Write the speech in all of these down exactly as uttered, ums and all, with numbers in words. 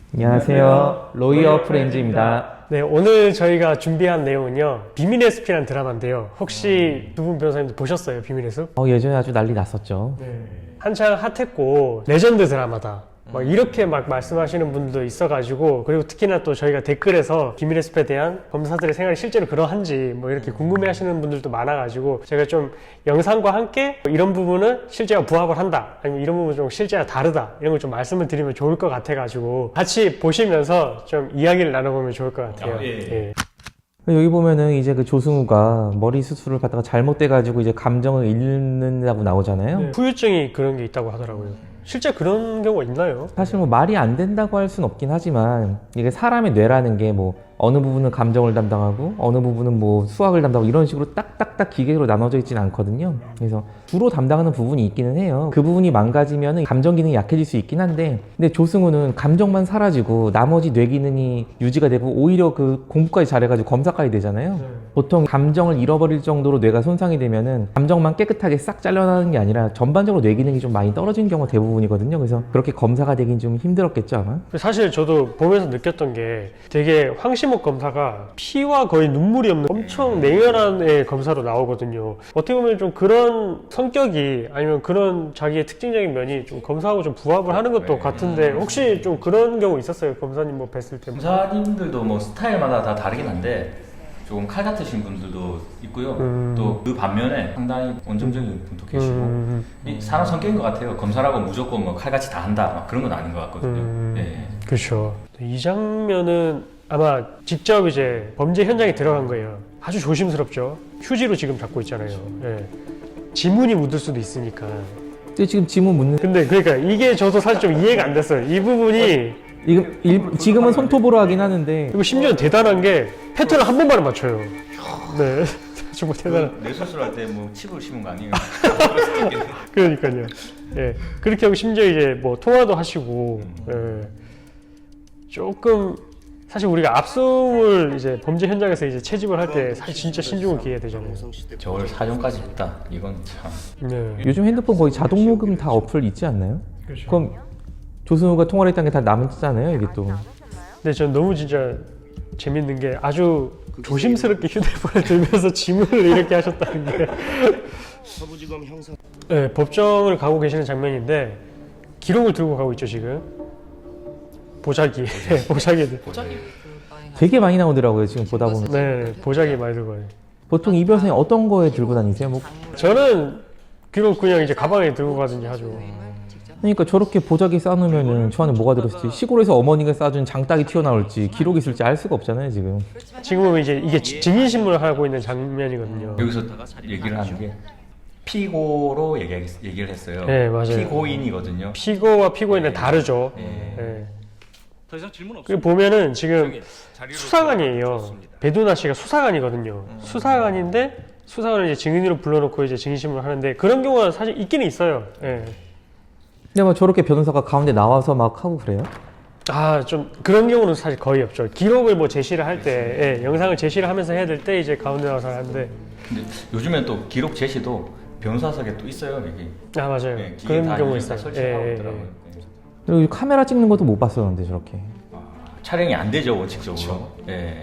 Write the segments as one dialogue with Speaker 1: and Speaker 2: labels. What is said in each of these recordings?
Speaker 1: 안녕하세요. 로이어 프렌즈입니다.
Speaker 2: 네, 오늘 저희가 준비한 내용은요, 비밀의 숲이라는 드라마인데요. 혹시 두 분 변호사님도 보셨어요, 비밀의 숲?
Speaker 1: 어, 예전에 아주 난리 났었죠.
Speaker 2: 네. 한창 핫했고 레전드 드라마다 막 이렇게 막 말씀하시는 분도 있어가지고, 그리고 특히나 또 저희가 댓글에서 비밀의 숲에 대한 검사들의 생활이 실제로 그러한지 뭐 이렇게 궁금해하시는 분들도 많아가지고, 제가 좀 영상과 함께 이런 부분은 실제와 부합을 한다, 아니면 이런 부분은 좀 실제와 다르다, 이런 걸 좀 말씀을 드리면 좋을 것 같아가지고 같이 보시면서 좀 이야기를 나눠보면 좋을 것 같아요.
Speaker 3: 아, 예, 예.
Speaker 2: 예.
Speaker 1: 여기 보면은 이제 그 조승우가 머리 수술을 받다가 잘못돼가지고 이제 감정을 잃는다고 나오잖아요.
Speaker 2: 네. 후유증이 그런 게 있다고 하더라고요. 실제 그런 경우가 있나요?
Speaker 1: 사실 뭐 말이 안 된다고 할 수는 없긴 하지만 이게 사람의 뇌라는 게 뭐 어느 부분은 감정을 담당하고 어느 부분은 뭐 수학을 담당하고 이런 식으로 딱딱딱 기계로 나눠져 있지는 않거든요. 그래서 주로 담당하는 부분이 있기는 해요. 그 부분이 망가지면 감정 기능이 약해질 수 있긴 한데, 근데 조승우는 감정만 사라지고 나머지 뇌 기능이 유지가 되고 오히려 그 공부까지 잘해가지고 검사까지 되잖아요.
Speaker 2: 네.
Speaker 1: 보통 감정을 잃어버릴 정도로 뇌가 손상이 되면은 감정만 깨끗하게 싹 잘려나가는 게 아니라 전반적으로 뇌 기능이 좀 많이 떨어지는 경우가 대부분이거든요. 그래서 그렇게 검사가 되긴 좀 힘들었겠죠, 아마.
Speaker 2: 사실 저도 보면서 느꼈던 게, 되게 황시목 검사가 피와 거의 눈물이 없는 엄청 냉혈한 애 검사로 나오거든요. 어떻게 보면 좀 그런 성격이, 아니면 그런 자기의 특징적인 면이 좀 검사하고 좀 부합을 하는 것도 같은데, 혹시 좀 그런 경우 있었어요? 검사님 뭐 뵀을 때?
Speaker 3: 검사님들도 뭐 스타일마다 다 다르긴 한데 조금 칼 같으신 분들도 있고요.
Speaker 2: 음.
Speaker 3: 또 그 반면에 상당히 온정적인 분도 계시고,
Speaker 2: 음.
Speaker 3: 이 사람 성격인 것 같아요. 검사라고 무조건 뭐 칼같이 다 한다 막 그런 건 아닌 것 같거든요.
Speaker 2: 음.
Speaker 3: 예.
Speaker 2: 그렇죠. 이 장면은 아마 직접 이제 범죄 현장에 들어간 거예요. 아주 조심스럽죠. 휴지로 지금 잡고 있잖아요. 예. 지문이 묻을 수도 있으니까.
Speaker 1: 근데 지금 지문 묻는
Speaker 2: 근데 그러니까 이게 저도 사실 좀 이해가 안 됐어요. 이 부분이.
Speaker 1: 지금 일, 지금은 손톱으로 하긴 하는데
Speaker 2: 그리고 심지어 대단한 게 패턴을 한 번만에 맞춰요. 네. 정말 대단한.
Speaker 3: 뇌 수술할 때 뭐 칩을 심은 거 아니에요?
Speaker 2: 그러니까요. 예. 그렇게 하고 심지어 이제 뭐 통화도 하시고, 예. 조금 사실 우리가 압수물 이제 범죄 현장에서 이제 채집을 할 때 사실 진짜 신중을 기해야 되잖아요.
Speaker 3: 저걸 사전까지 했다. 이건 참.
Speaker 2: 네.
Speaker 1: 요즘 핸드폰 거의 자동 녹음 다 어플 있지 않나요?
Speaker 2: 그렇죠.
Speaker 1: 그럼 조승우가 통화를 했다는 게 다 남잖아요, 이게 또.
Speaker 2: 근데 전 너무 진짜 재밌는 게, 아주 조심스럽게 휴대폰을 들면서 지문을 이렇게 하셨다는 게.
Speaker 4: 서부지검 형사.
Speaker 2: 네, 법정을 가고 계시는 장면인데 기록을 들고 가고 있죠 지금. 보자기. 보자기.
Speaker 3: 보자기.
Speaker 1: 되게 많이 나오더라고요, 지금 보다 보면.
Speaker 2: 네, 보자기 많이 들고 가요.
Speaker 1: 보통 이 변호사님 어떤 거에 들고 다니세요? 뭐
Speaker 2: 저는 기록 그냥 이제 가방에 들고 가든지 하죠.
Speaker 1: 그러니까 저렇게 보자기 싸놓으면은 저 안에 뭐가 들었을지, 시골에서 어머니가 싸준 장닭이 튀어나올지 기록이 있을지 알 수가 없잖아요, 지금.
Speaker 2: 지금은 이제 이게 증인신문을 하고 있는 장면이거든요.
Speaker 3: 여기서 얘기를 하는 게 피고로 얘기, 얘기를 했어요.
Speaker 2: 네, 맞아요.
Speaker 3: 피고인이거든요.
Speaker 2: 피고와 피고인은 다르죠.
Speaker 3: 예.
Speaker 2: 네.
Speaker 4: 더 이상 질문 없습니다.
Speaker 2: 그리고 보면은 지금 수사관이에요. 배두나 씨가 수사관이거든요. 수사관인데 수사관을 이제 증인으로 불러놓고 이제 증인신문을 하는데, 그런 경우가 사실 있기는 있어요. 예.
Speaker 1: 근데 뭐 저렇게 변호사가 가운데 나와서 막 하고 그래요?
Speaker 2: 아, 좀 그런 경우는 사실 거의 없죠. 기록을 뭐 제시를 할 때, 예, 영상을 제시를 하면서 해야 될 때 이제 가운데 나와서 하는데.
Speaker 3: 근데 요즘엔 또 기록 제시도 변호사석에 또 있어요, 여기.
Speaker 2: 아, 맞아요.
Speaker 3: 네, 기계
Speaker 2: 그런
Speaker 3: 다
Speaker 2: 경우
Speaker 3: 요즘 다
Speaker 2: 있어요.
Speaker 3: 설치하고
Speaker 2: 예, 예,
Speaker 3: 있더라고요.
Speaker 2: 예.
Speaker 3: 네.
Speaker 1: 그리고 카메라 찍는 것도 못 봤었는데 저렇게.
Speaker 3: 아, 촬영이 안 되죠, 원칙적으로. 예.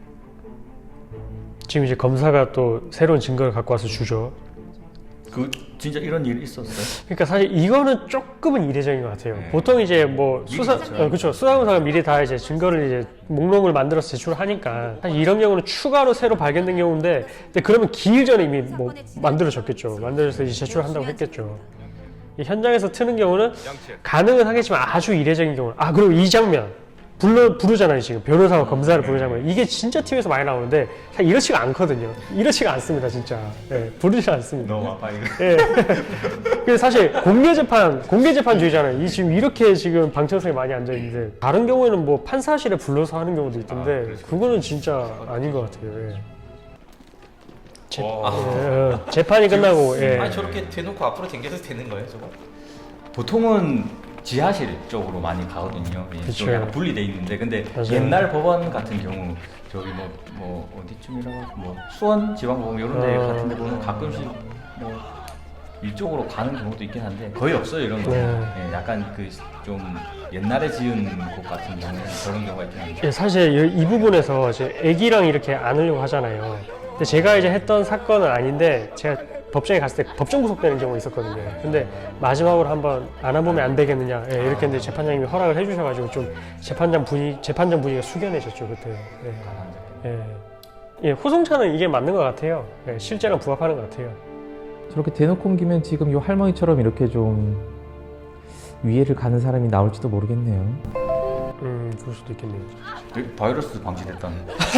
Speaker 2: 지금 이제 검사가 또 새로운 증거를 갖고 와서 주죠.
Speaker 3: 그 진짜 이런 일이 있었어요?
Speaker 2: 그러니까 사실 이거는 조금은 이례적인 것 같아요.
Speaker 3: 네.
Speaker 2: 보통 이제 뭐 수사,
Speaker 3: 미리
Speaker 2: 어, 그렇죠. 수사검사가 미리 다 이제 증거를 이제 목록을 만들어서 제출하니까, 사실 이런 경우는 추가로 새로 발견된 경우인데, 근데 그러면 기일 전에 이미 뭐 만들어졌겠죠. 만들어서 이제 제출한다고 했겠죠. 이 현장에서 트는 경우는 가능은 하겠지만 아주 이례적인 경우. 아, 그리고 이 장면 불러 부르잖아요. 지금 변호사와 검사를 부르는 장면. 이게 진짜 티비에서 많이 나오는데 사실 이렇지가 않거든요. 이렇지가 않습니다, 진짜. 예, 부르지 않습니다.
Speaker 3: 너무 아파 이거.
Speaker 2: 예. 그래서 사실 공개 재판, 공개 재판주의잖아요. 이 지금 이렇게 지금 방청석에 많이 앉아 있는데, 다른 경우에는 뭐 판사실에 불러서 하는 경우도 있던데, 그거는 진짜 아닌 것 같아요. 예. 재,
Speaker 3: 와.
Speaker 2: 예, 예. 재판이 끝나고, 예.
Speaker 5: 아니 저렇게 대놓고 앞으로 당겨도 되는 거예요, 저거?
Speaker 3: 보통은 지하실 쪽으로 많이 가거든요. 예,
Speaker 2: 그쵸.
Speaker 3: 좀 약간 분리돼 있는데, 근데
Speaker 2: 맞아요.
Speaker 3: 옛날 법원 같은 경우 저기 뭐 뭐 어디쯤이라고 하죠? 뭐 수원 지방법원 이런 데
Speaker 2: 어.
Speaker 3: 같은 데 보면 가끔씩 뭐 이쪽으로 가는 경우도 있긴 한데 거의 없어요 이런 거.
Speaker 2: 네.
Speaker 3: 예, 약간 그 좀 옛날에 지은 곳 같은 경우는 그런 경우가 있긴 한데.
Speaker 2: 예, 사실 이, 이 부분에서 이제 애기랑 이렇게 안으려고 하잖아요. 근데 제가 이제 했던 사건은 아닌데 제가 법정에 갔을 때 법정 구속되는 경우가 있었거든요. 근데 마지막으로 한번 안아보면 안 되겠느냐 예, 이렇게 했는데 재판장님이 허락을 해주셔가지고 좀 재판장 분위 재판장 분위기가 숙연해졌죠 그때. 예. 예. 예, 호송차는 이게 맞는 것 같아요. 예, 실제랑 부합하는 것 같아요.
Speaker 1: 저렇게 대놓고 옮기면 지금 요 할머니처럼 이렇게 좀 위해를 가는 사람이 나올지도 모르겠네요.
Speaker 2: 음, 그럴 수도 있겠네요.
Speaker 3: 여기 바이러스 방지됐다는.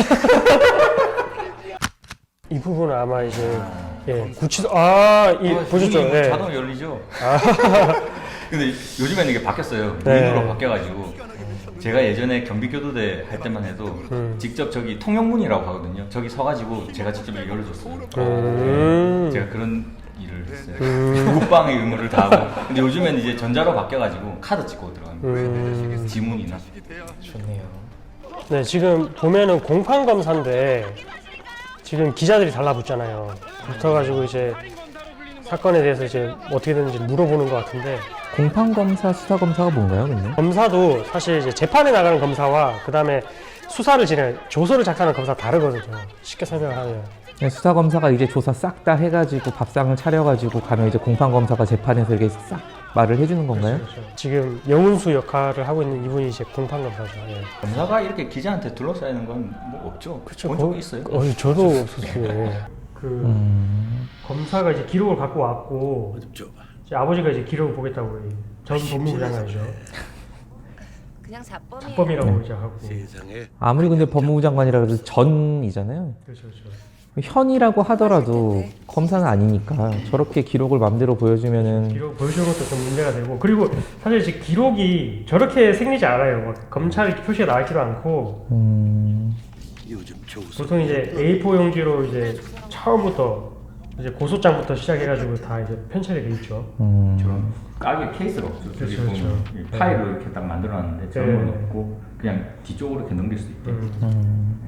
Speaker 2: 이 부분은 아마 이제 예, 구치소 아, 이
Speaker 3: 아,
Speaker 2: 보셨죠?
Speaker 3: 문이
Speaker 2: 예.
Speaker 3: 자동으로 열리죠. 근데 요즘에는 이게 바뀌었어요.
Speaker 2: 네.
Speaker 3: 문으로 바뀌어가지고 제가 예전에 경비교도대 할 때만 해도
Speaker 2: 음.
Speaker 3: 직접 저기 통영문이라고 하거든요. 저기 서가지고 제가 직접 열어줬어요.
Speaker 2: 음.
Speaker 3: 제가 그런 일을 했어요.
Speaker 2: 음.
Speaker 3: 국방의 의무를 다하고. 근데 요즘에는 이제 전자로 바뀌어가지고 카드 찍고 들어가는 거예요.
Speaker 2: 음.
Speaker 3: 지문이나.
Speaker 1: 좋네요.
Speaker 2: 네, 지금 보면은 공판 검사인데 지금 기자들이 달라붙잖아요. 붙어가지고 이제 사건에 대해서 이제 어떻게 됐는지 물어보는 것 같은데
Speaker 1: 공판검사, 수사검사가 뭔가요, 근데?
Speaker 2: 검사도 사실 이제 재판에 나가는 검사와 그 다음에 수사를 진행, 조서를 작성하는 검사 다르거든요. 쉽게 설명을 하면.
Speaker 1: 수사검사가 이제 조사 싹 다 해가지고 밥상을 차려가지고 가면 이제 공판검사가 재판에서 이렇게 싹 말을 해주는 건가요?
Speaker 2: 그렇죠. 지금 영훈수 역할을 하고 있는 이분이 이제 공판 검사죠. 예.
Speaker 3: 검사가 이렇게 기자한테 둘러싸이는 건 뭐 없죠. 본 적이 있어요?
Speaker 2: 어, 저도 없었어요. 그
Speaker 1: 음...
Speaker 2: 검사가 이제 기록을 갖고 왔고 이제 아버지가 이제 기록을 보겠다고 해요. 전 법무부 장관이죠.
Speaker 6: 그냥 자범이에요.
Speaker 2: 자범이라고 이제 하고.
Speaker 1: 아무리 근데 법무부 장관이라 그래도 전이잖아요.
Speaker 2: 그렇죠, 그렇죠.
Speaker 1: 현이라고 하더라도 검사는 아니니까 저렇게 기록을 맘대로 보여주면은
Speaker 2: 기록 보여주는 것도 좀 문제가 되고 그리고 사실 이제 기록이 저렇게 생기지 않아요. 막 검찰 표시가 나와 있지도 않고
Speaker 1: 음...
Speaker 2: 보통 이제 에이 사 용지로 이제 처음부터 이제 고소장부터 시작해가지고 다 이제 편찬이 돼 있죠.
Speaker 1: 음...
Speaker 3: 저런 까게 케이스가 없죠. 저기
Speaker 2: 그렇죠,
Speaker 3: 보면
Speaker 2: 그렇죠.
Speaker 3: 이 파일을 이렇게 딱 만들어놨는데 저런 건
Speaker 2: 네.
Speaker 3: 없고 그냥 뒤쪽으로 이렇게 넘길 수 있게.
Speaker 2: 음.
Speaker 1: 음...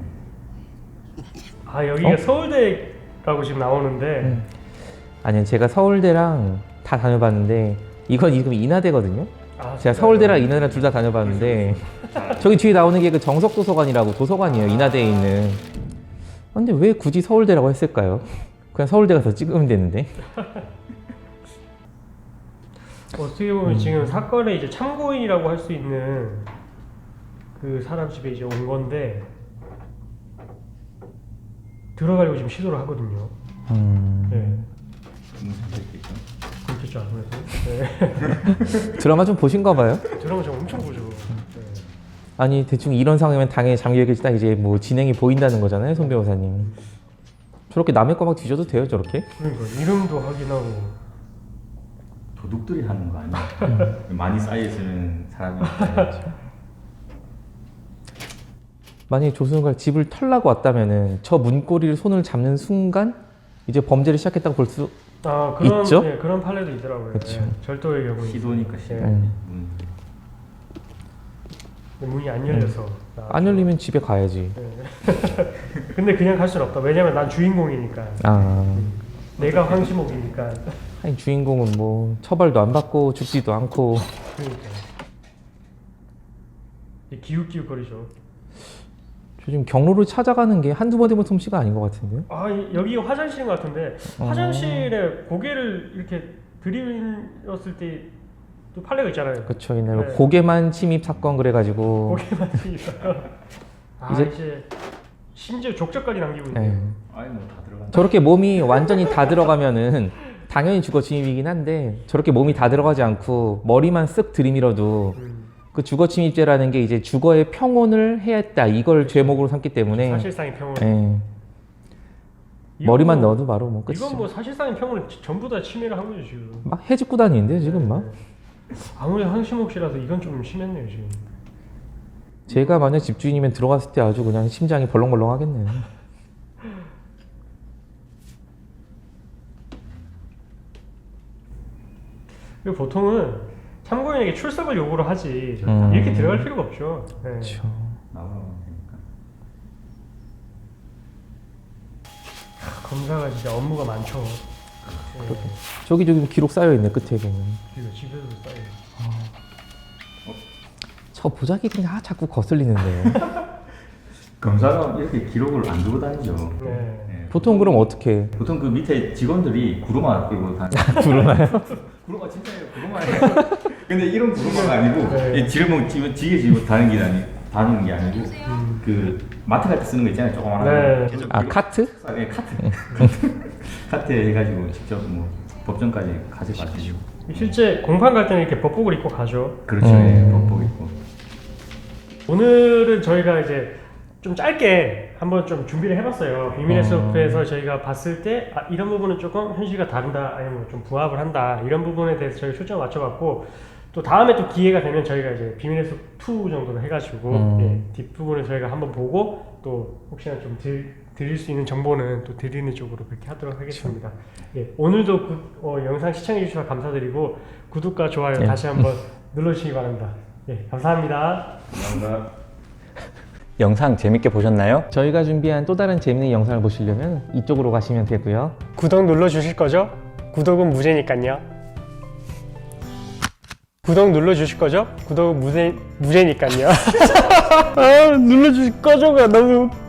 Speaker 2: 아 여기가
Speaker 1: 어?
Speaker 2: 서울대라고 지금 나오는데
Speaker 1: 음. 아니요, 제가 서울대랑 다 다녀봤는데 이건 지금 인하대거든요.
Speaker 2: 아,
Speaker 1: 제가 서울대랑 인하대랑 둘 다 다녀봤는데 저기 뒤에 나오는 게 그 정석도서관이라고 도서관이에요, 인하대에 있는. 근데 왜 굳이 서울대라고 했을까요? 그냥 서울대 가서 찍으면 되는데.
Speaker 2: 어떻게 보면 지금 사건의 이제 참고인이라고 할 수 있는 그 사람 집에 이제 온 건데 들어가려고 지금 시도를 하거든요.
Speaker 1: 음...
Speaker 2: 네.
Speaker 3: 무슨 소리 있겠죠?
Speaker 2: 그렇겠죠 아무래도. 네.
Speaker 1: 드라마 좀 보신가 봐요?
Speaker 2: 드라마 저 엄청 보죠. 네.
Speaker 1: 아니 대충 이런 상황이면 당연히 장기에 딱 이제 뭐 진행이 보인다는 거잖아요, 손 변호사님. 저렇게 남의 거 막 뒤져도 돼요, 저렇게?
Speaker 2: 그러니까 이름도 확인하고.
Speaker 3: 도둑들이 하는 거 아니야? 많이 쌓여있으면 사람이 있어야죠.
Speaker 1: 만약에 조승우가 집을 털라고 왔다면은 저 문고리를 손을 잡는 순간 이제 범죄를 시작했다고 볼 수.
Speaker 2: 아 그런
Speaker 1: 있죠?
Speaker 2: 네, 그런 판례도 있더라고요.
Speaker 1: 그쵸.
Speaker 2: 네, 절도의 경우
Speaker 3: 시도니까 시도.
Speaker 1: 음.
Speaker 3: 음.
Speaker 2: 문이 안 열려서.
Speaker 1: 안 열리면 집에 가야지.
Speaker 2: 네. 근데 그냥 갈 수는 없다. 왜냐면 난 주인공이니까.
Speaker 1: 아,
Speaker 2: 내가 황시목이니까.
Speaker 1: 아니 주인공은 뭐 처벌도 안 받고 죽지도 않고.
Speaker 2: 그러니까. 기웃기웃거리죠.
Speaker 1: 저 지금 경로를 찾아가는 게 한두 번 해본 솜씨가 아닌 것 같은데요?
Speaker 2: 아 이- 여기가 화장실인 것 같은데
Speaker 1: 어.
Speaker 2: 화장실에 고개를 이렇게 들이밀었을 때 또 판례가 있잖아요.
Speaker 1: 그쵸, 옛날에
Speaker 2: 네.
Speaker 1: 고개만 침입 사건 그래가지고.
Speaker 2: 고개만 들이밀어요. 아
Speaker 1: 이제-
Speaker 2: 이제, 심지어 족적까지 남기고 있네요.
Speaker 1: 네.
Speaker 3: 아니 뭐 다 들어간다.
Speaker 1: 저렇게 몸이 완전히 다 들어가면은 당연히 주거 침입이긴 한데 저렇게 몸이 다 들어가지 않고 머리만 쓱 들이밀어도
Speaker 2: 음,
Speaker 1: 그 주거 침입죄라는 게 이제 주거의 평온을 해했다 이걸 죄목으로 삼기 때문에.
Speaker 2: 사실상의 평온.
Speaker 1: 예.
Speaker 2: 이건
Speaker 1: 머리만
Speaker 2: 뭐-
Speaker 1: 넣어도 바로 뭐 끝이죠.
Speaker 2: 이건 뭐 사실상의 평온을 전부 다 침해를 한 거죠 지금.
Speaker 1: 막 해집고 다니는데 지금 막.
Speaker 2: 아무리 황시목 씨라도 이건 좀 심했네요 지금.
Speaker 1: 제가 만약 집주인이면 들어갔을 때 아주 그냥 심장이 벌렁벌렁 하겠네요.
Speaker 2: 그리고 보통은 참고인에게 출석을 요구를 하지
Speaker 1: 음.
Speaker 2: 이렇게 들어갈 필요가 없죠. 네.
Speaker 1: 그렇죠.
Speaker 3: 나가면 되니까.
Speaker 2: 검사가 진짜 업무가 많죠.
Speaker 1: 저기 저기 기록 쌓여 있네 끝에 보면.
Speaker 2: 이거 집에서도 쌓여.
Speaker 1: 저 보자기 그냥 아, 자꾸 거슬리는데.
Speaker 3: 검사가 이렇게 기록을 안 두고 다니죠.
Speaker 2: 네.
Speaker 3: 예.
Speaker 1: 보통 그럼 어떻게?
Speaker 3: 보통 그 밑에 직원들이 구루마 끌고 다니.
Speaker 1: 구루마요?
Speaker 3: 구루마 진짜예요. 구루마예요. 근데 이런 구루마가 아니고
Speaker 2: 네.
Speaker 3: 이 지르멍 지금 지게 지고 다니는 게 아니 다니는 게 아니고 그 마트 같은 데 쓰는 거 있잖아요. 조그만한
Speaker 2: 네.
Speaker 3: 거. 계속
Speaker 1: 아
Speaker 3: 기록-
Speaker 1: 카트?
Speaker 3: 아, 네, 카트. 카트에 해가지고 직접 뭐 법정까지 가져가시고.
Speaker 2: 실제 공판 갈 때는 이렇게 법복을 입고 가죠.
Speaker 3: 그렇죠.
Speaker 1: 음.
Speaker 3: 예, 법복 있고.
Speaker 2: 오늘은 저희가 이제 좀 짧게 한번 좀 준비를 해봤어요. 비밀의
Speaker 1: 어.
Speaker 2: 숲에서 저희가 봤을 때 아, 이런 부분은 조금 현실과 다른다, 아니면 좀 부합을 한다, 이런 부분에 대해서 저희가 초점을 맞춰봤고, 또 다음에 또 기회가 되면 저희가 이제 비밀의 숲 투 정도로 해가지고
Speaker 1: 음.
Speaker 2: 예, 뒷부분을 저희가 한번 보고 또 혹시나 좀 드, 드릴 수 있는 정보는 또 드리는 쪽으로 그렇게 하도록 하겠습니다. 예, 오늘도 구, 어, 영상 시청해 주셔서 감사드리고 구독과 좋아요
Speaker 1: 예.
Speaker 2: 다시 한번 눌러주시기 바랍니다. 예, 감사합니다.
Speaker 3: 감사합니다.
Speaker 7: 영상 재밌게 보셨나요?
Speaker 1: 저희가 준비한 또 다른 재밌는 영상을 보시려면 이쪽으로 가시면 되고요.
Speaker 2: 구독 눌러주실 거죠? 구독은 무제니까요. 구독 눌러주실 거죠? 구독은 무제, 무제니까요. 아, 눌러주실 거죠가 너무